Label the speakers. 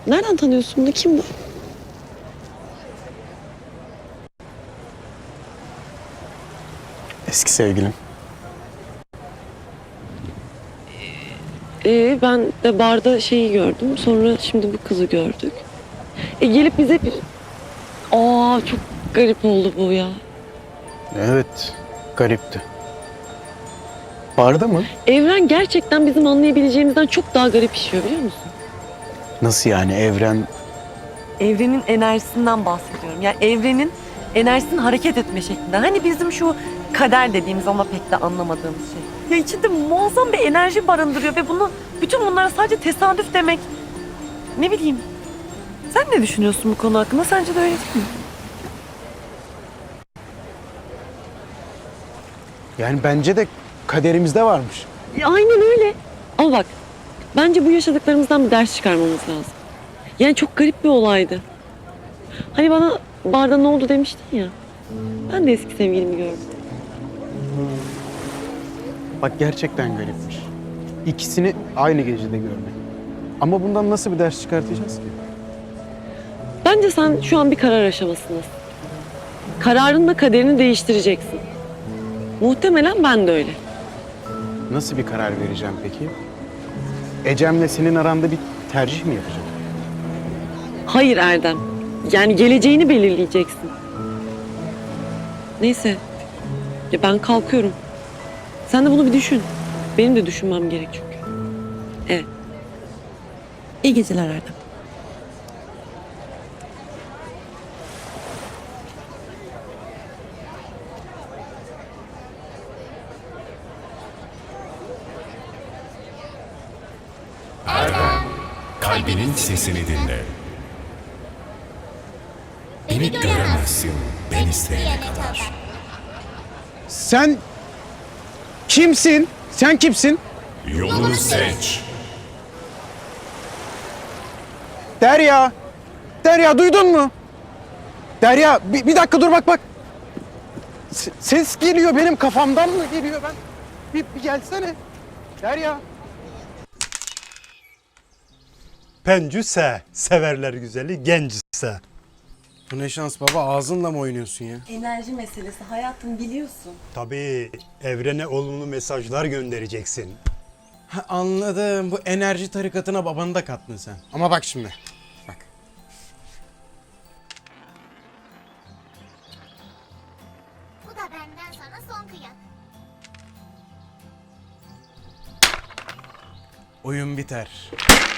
Speaker 1: Nereden tanıyorsun bunu? Kim bu?
Speaker 2: Eski sevgilim.
Speaker 1: Ben de barda şeyi gördüm. Sonra şimdi bu kızı gördük. Gelip bize bir... Aa, çok garip oldu bu ya.
Speaker 2: Evet, garipti. Barda mı?
Speaker 1: Evren gerçekten bizim anlayabileceğimizden çok daha garip işiyor, biliyor musun?
Speaker 2: Nasıl yani evren?
Speaker 3: Evrenin enerjisinden bahsediyorum. Yani evrenin enerjisinin hareket etme şeklinden. Hani bizim şu kader dediğimiz ama pek de anlamadığımız şey. Ya içinde muazzam bir enerji barındırıyor ve bütün bunlara sadece tesadüf demek. Ne bileyim. Sen ne düşünüyorsun bu konu hakkında? Sence de öyle değil mi?
Speaker 2: Yani bence de kaderimizde varmış.
Speaker 1: Aynen öyle. Ama bak, bence bu yaşadıklarımızdan bir ders çıkarmamız lazım. Yani çok garip bir olaydı. Hani bana barda ne oldu demiştin ya. Ben de eski sevgilimi gördüm.
Speaker 2: Bak gerçekten garipmiş. İkisini aynı gecede görmek. Ama bundan nasıl bir ders çıkartacağız ki?
Speaker 1: Bence sen şu an bir karar aşamasındasın. Kararınla kaderini değiştireceksin. Muhtemelen ben de öyle.
Speaker 2: Nasıl bir karar vereceğim peki? Ecem'le senin aranda bir tercih mi yapacağım?
Speaker 1: Hayır Erdem. Yani geleceğini belirleyeceksin. Neyse. Ya ben kalkıyorum. Sen de bunu bir düşün. Benim de düşünmem gerek çünkü. Evet. İyi geceler Erdem.
Speaker 4: Kalbinin sesini dinle. Beni göremezsin ben isteyene kadar.
Speaker 2: Sen kimsin? Sen kimsin?
Speaker 4: Yolunu seç.
Speaker 2: Derya! Derya duydun mu? Derya bir dakika dur bak. Ses geliyor benim kafamdan mı geliyor ben? Bir gelsene. Derya.
Speaker 5: Pencüse, severler güzeli gencse.
Speaker 2: Bu ne şans baba, ağzınla mı oynuyorsun ya?
Speaker 3: Enerji meselesi hayatım, biliyorsun.
Speaker 5: Tabii evrene olumlu mesajlar göndereceksin.
Speaker 2: Ha, anladım. Bu enerji tarikatına babanı da kattın sen. Ama bak şimdi. Bak.
Speaker 6: Bu da benden sana son kıyak.
Speaker 2: Oyun biter.